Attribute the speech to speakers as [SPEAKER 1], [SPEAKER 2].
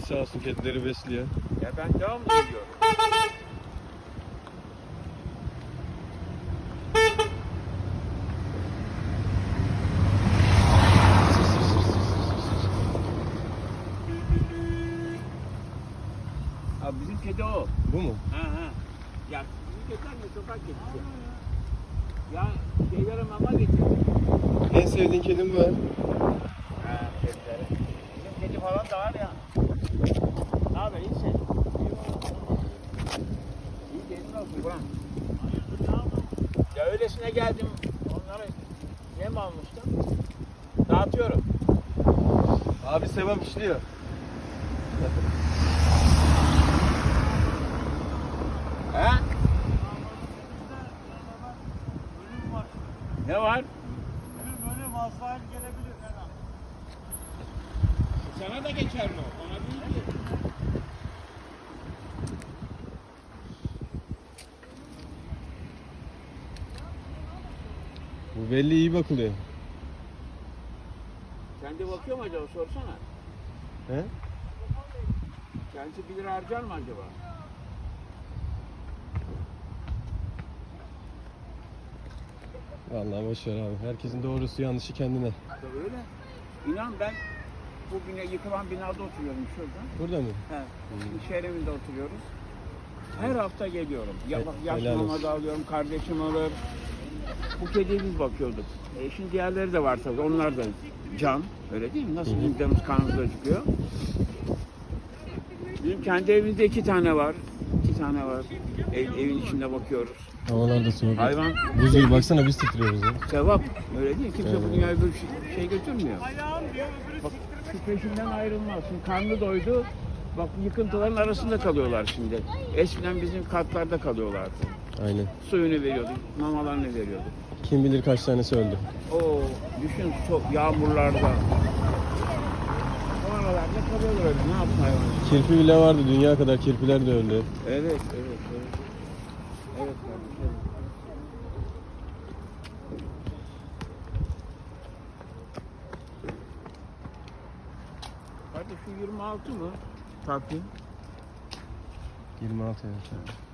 [SPEAKER 1] sağ olsun kedileri besliyor.
[SPEAKER 2] Ya ben devamlı geliyorum. Abi bizim kedi o.
[SPEAKER 1] Bu mu?
[SPEAKER 2] Ha. Ya bizim kediler de sokak kedisi. Ya şeylere mama getiriyor.
[SPEAKER 1] En sevdiğin kedin bu ha?
[SPEAKER 2] Ha kedilere. Bizim kedi falan da var ya. Ne haber iyisin? İyi kedin olsun Burak. Ya öylesine geldim. Onlara yem almıştım. Dağıtıyorum.
[SPEAKER 1] Abi sevap işliyor.
[SPEAKER 2] He? Ne var?
[SPEAKER 3] Bölüm Azrail gelebilir her an.
[SPEAKER 2] Sana da geçer mi? Ona değil ki.
[SPEAKER 1] Bu belli iyi bakılıyor.
[SPEAKER 2] Kendi bakıyor mu acaba? Sorsana.
[SPEAKER 1] He?
[SPEAKER 2] Kendisi 1 lira harcar mı acaba?
[SPEAKER 1] Vallahi boş ver abi. Herkesin doğrusu yanlışı kendine.
[SPEAKER 2] Öyle. İnan ben bugün yıkılan binada oturuyorum şurada.
[SPEAKER 1] Burada mı?
[SPEAKER 2] He. İş yerinde oturuyoruz. Her hafta geliyorum. Ya bak yaş
[SPEAKER 1] Helal
[SPEAKER 2] mama
[SPEAKER 1] olsun.
[SPEAKER 2] da alıyorum, kardeşim alır. Bu kediye biz bakıyorduk. Şimdi diğerleri de var tabii. Onlar da can. Öyle değil mi? Nasıl bizim canımız kanımızda çıkıyor. Bizim kendi evimizde 2 tane var. 2 tane var. Evin içinde bakıyoruz.
[SPEAKER 1] Havalar da soğuk.
[SPEAKER 2] Hayvan
[SPEAKER 1] Buz gibi baksana biz titriyoruz ya.
[SPEAKER 2] sevap. Öyle değil. Kimse
[SPEAKER 1] Evet.
[SPEAKER 2] bu dünyaya böyle şey götürmüyor.
[SPEAKER 3] Ayağım diyor, öbürü
[SPEAKER 2] Bak
[SPEAKER 3] siktirmek.
[SPEAKER 2] şu peşinden ayrılmaz. Şimdi karnı doydu. Bak yıkıntıların arasında kalıyorlar şimdi. Eskiden bizim katlarda kalıyorlardı.
[SPEAKER 1] Aynen.
[SPEAKER 2] Suyunu veriyorduk, mamalarını veriyorduk.
[SPEAKER 1] Kim bilir kaç tanesi öldü.
[SPEAKER 2] Oo, düşün çok yağmurlarda. O aralarda kalıyorlar öyle. Ne yapsın hayvan?
[SPEAKER 1] Kirpi bile vardı. Dünya kadar kirpiler de öldü.
[SPEAKER 2] Evet. Evet kardeşim. Kardeş şu 26 mı? Takvim.
[SPEAKER 1] 26 evet.